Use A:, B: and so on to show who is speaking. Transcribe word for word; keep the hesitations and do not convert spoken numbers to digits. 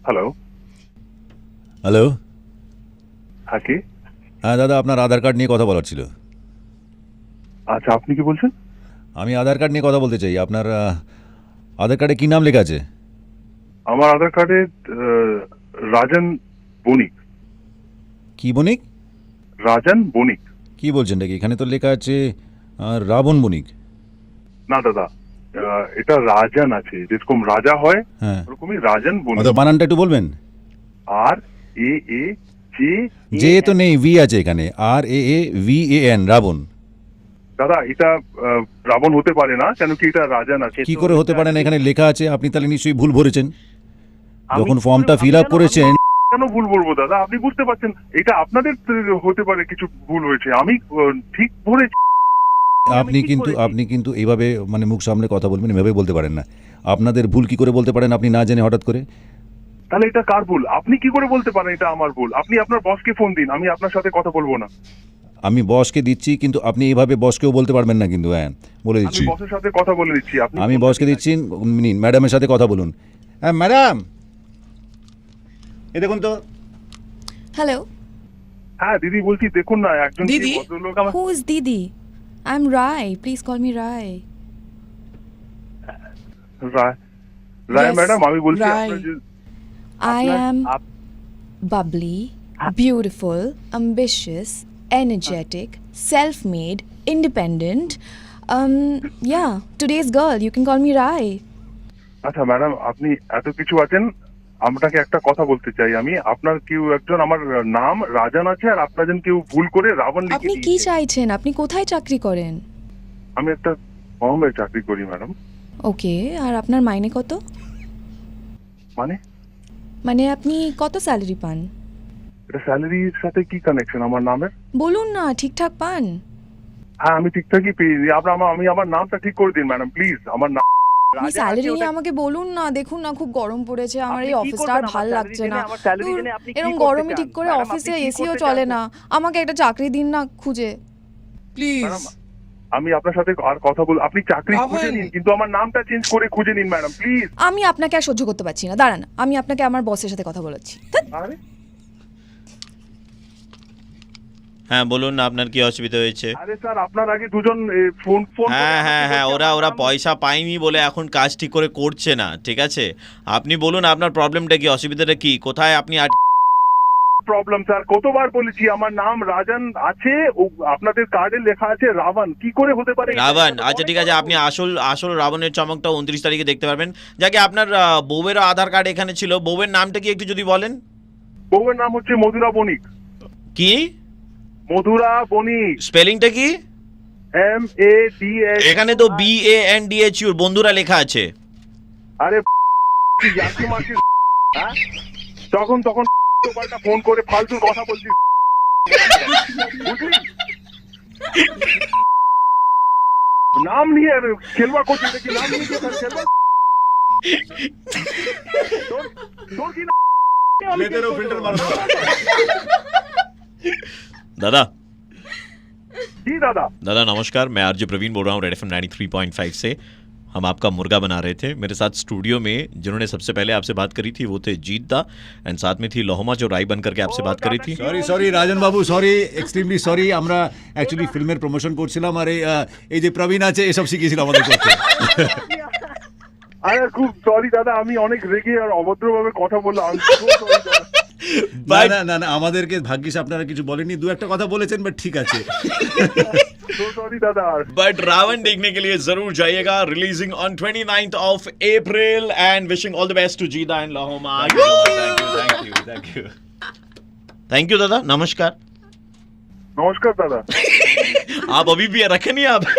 A: Hello
B: hello.
A: হ্যাঁ কে?
B: হ্যাঁ দাদা, আপনার আধার কার্ড নিয়ে কথা বলার ছিল।
A: আচ্ছা, আপনি কি বলছেন?
B: আমি আধার কার্ড নিয়ে কথা বলতে চাই। আপনার আহ, আধার কার্ডে কী নাম লেখা আছে?
A: আমার আধার কার্ডে আহ, রাজন বণিক।
B: কি বণিক?
A: রাজন বণিক।
B: কি বলছেন নাকি? এখানে তো লেখা আছে আহ, রাবণ বণিক।
A: না দাদা, আহ, এটা রাজন আছে, যেরকম রাজা হয়
B: হ্যাঁ,
A: ওরকমই রাজন বণিক।
B: অত বানানটা একটু বলবেন?
A: আর এ এ জে
B: যে তো নেই, ভি আছে এখানে। R A V A N Ravan, রাবণ।
A: দাদা এটা আহ, রাবণ হতে পারে না, কেন কি এটা রাজন আছে।
B: কি
A: তো
B: করে হতে
A: এটা-
B: পারে না? এখানে লেখা আছে। আপনি তাহলে নিশ্চয়ই ভুল ভরেছেন
A: আমি
B: যখন
A: কি করে-
B: ফর্মটা
A: আমি
B: ফিল আপ
A: কেন-
B: করেছেন।
A: আমি কেন ভুল বলবো দাদা? আপনি বুঝতে পারছেন এটা আপনাদের হতে পারে কিছু ভুল হয়েছে, আমি আহ, ঠিক ভরেছি।
B: আপনি কিন্তু আপনি কিন্তু এইভাবে মানে মুখ সামনে কথা বলবেন, এভাবে বলতে পারেন না। আপনাদের ভুল কি করে বলতে পারেন আপনি না জেনে হঠাৎ করে?
A: তাহলে এটা কার ভুল? আপনি কি করে বলতে পারেন এটা আমার ভুল? আপনি আপনার বসকে ফোন দিন, আমি আপনার সাথে কথা বলবো না।
B: আমি বসকে দিচ্ছি, কিন্তু আপনি এইভাবে বসকেও বলতে পারবেন না কিন্তু। হ্যাঁ, বলে
A: আমি
B: দিচ্ছি।
A: বসের সাথে কথা বলে দিচ্ছি। আপনি
B: আমি বসকে দিচ্ছি, নিন ম্যাডামের সাথে কথা বলুন। হ্যাঁ ম্যাডাম, এ দেখুন তো।
C: Hello,
A: হ্যাঁ দিদি বলছি, দেখুন না একজন কি
D: দিদি?
A: ভদ্রলোক আমার
C: who is Didi? I'm Rai. Please call me Rai.
A: Rai Rai
C: Yes,
A: madam, আমি বলছি
D: রায়।
A: আপনার যে
C: I
A: আপনার-
C: am
A: আপ-
C: bubbly, beautiful, ambitious, energetic, self-made, independent. Um, yeah, today's girl. You can call me Rai.
A: আচ্ছা ম্যাডাম, আপনি এত কিছু আছেন, আপনাকে একটা কথা বলতে চাই। আমি আপনার কেউ একজন, আমার নাম রাজন আছে, আর আপনার জন কেউ ভুল করে রাবণ লিখে
C: আপনি কি
A: দিয়েছে।
C: চাইছেন? আপনি কোথায় চাকরি করেন?
A: আমি একটা ফর্মে চাকরি করি ম্যাডাম।
C: ওকে, আর আপনার মাইনে কত?
A: মানে
C: মানে আপনি কত স্যালারি পান?
A: এটা স্যালারির সাথে কি কানেকশন আমার নামের?
C: বলুন না, ঠিকঠাক পান?
A: হ্যাঁ আমি ঠিকঠাকই পেয়েছি। আপনার আমার আমি আমার নামটা ঠিক করে দিন ম্যাডাম প্লিজ। আমার নাম
C: আপনি স্যালারি নিয়ে আমাকে বলুন না। দেখুন না, খুব গরম পড়েছে আমার, এই
A: আপনি কি
C: অফিসটা আর
A: করবেন
C: ভাল
A: আমার
C: লাগছে
A: salary
C: না।
A: জেনে? আমার salary
C: ধুর,
A: জেনে আপনি কি
C: এরকম
A: করতে
C: গরমে
A: চান?
C: ঠিক করে
A: ম্যাডাম,
C: অফিসে
A: আপনি কি
C: এসিও
A: করতে
C: চলে
A: চান?
C: না। আমাকে একটা চাকরি দিন না খুঁজে।
D: প্লিজ
A: ম্যাডাম, আমি আপনার সাথে আর কথা বল। আপনি চাকরি
D: রাহুল।
A: খুঁজে নিন, কিন্তু আমার নামটা চেঞ্জ করে খুঁজে নিন ম্যাডাম প্লিজ।
C: আমি আপনাকে আর সহ্য করতে পারছি না, দাঁড়ান, আমি আপনাকে আমার বসের সাথে কথা বলাচ্ছি।
A: আরে
E: হ্যাঁ বলুন না, আপনার কি অসুবিধা হয়েছে?
A: আরে স্যার, আপনার আগে দুজন এ, ফোন ফোন করে
E: হ্যাঁ হ্যাঁ
A: আমাকে
E: হ্যাঁ
A: বলছে
E: ওরা
A: আমার
E: ওরা
A: নাম-
E: পয়সা পায়নি বলে এখন কাজ ঠিক করে করছে না, ঠিক আছে? আপনি বলুন আপনার প্রবলেমটা কি, অসুবিধাটা কি, কোথায় আপনি আট-
A: প্রবলেম স্যার, কতবার বলেছি আমার নাম রাজন আছে, ও আপনাদের কার্ডে লেখা আছে রাবণ। কি করে হতে পারে?
E: রাবণ? আচ্ছা ঠিক আছে, আপনি আসল আসল রাবণের চমকটা উনত্রিশ তারিখে দেখতে পারবেন। যাকে আপনার আহ, বউয়েরও আধার কার্ড এখানে ছিল, বউয়ের নামটা কি একটু যদি বলেন?
A: বউয়ের নাম হচ্ছে মধুরা বণিক।
E: কি
A: মধুরা বণিক,
E: স্পেলিংটা কি?
A: M A D S.
E: এখানে তো B A N D H U বন্ধুরা লেখা আছে।
A: আরে কি জাতি মাসি, হ্যাঁ? তখন তখন পাল্টা ফোন করে ফালতু কথা বলছিস, বুঝলি? নাম নিয়ে খেলবা করছিস নাকি? নাম নিয়ে খেলবা খেলবা? তোর- তোর কি নাম? আমি
E: दादा
A: जी दादा।
E: दादा नमस्कार, मैं आरजे प्रवीण बोल रहा हूँ red F M ninety three point five से। हम आपका मुर्गा बना रहे थे। मेरे साथ स्टूडियो में जिन्होंने सबसे पहले आपसे बात करी थी वो थे जीत दा, एंड साथ में थी लोहमा जो राय बन करके आपसे
A: ओ,
E: बात करी
A: दादा
E: थी।
A: की-
B: সরি সরি রাজন বাবু, সরি, এক্সট্রিমলি সরি। আমরা অ্যাকচুয়ালি ফিল্মের প্রমোশন করছিলাম, আর এই আহ, এই যে প্রবীণ আছে এসব শিখিয়েছিল আমাদের করতে।
A: আরে খুব সরি দাদা, আমি অনেক রেগে আর অভদ্রভাবে কথা বললাম। I'm so sorry দাদা।
B: না না না না, আমাদেরকে ভাগ্যিস আপনারা কিছু বলেননি, দু একটা কথা বলেছেন, বাট ঠিক আছে।
A: So sorry দাদা।
E: बट रावण देखने के लिए जरूर जाइएगा, releasing on twenty ninth of April, and wishing all the best to Jida and Lohma. Thank you thank you thank you thank you दादा, नमस्कार।
A: নমস্কার দাদা।
E: आप अभी भी रखे नहीं आप?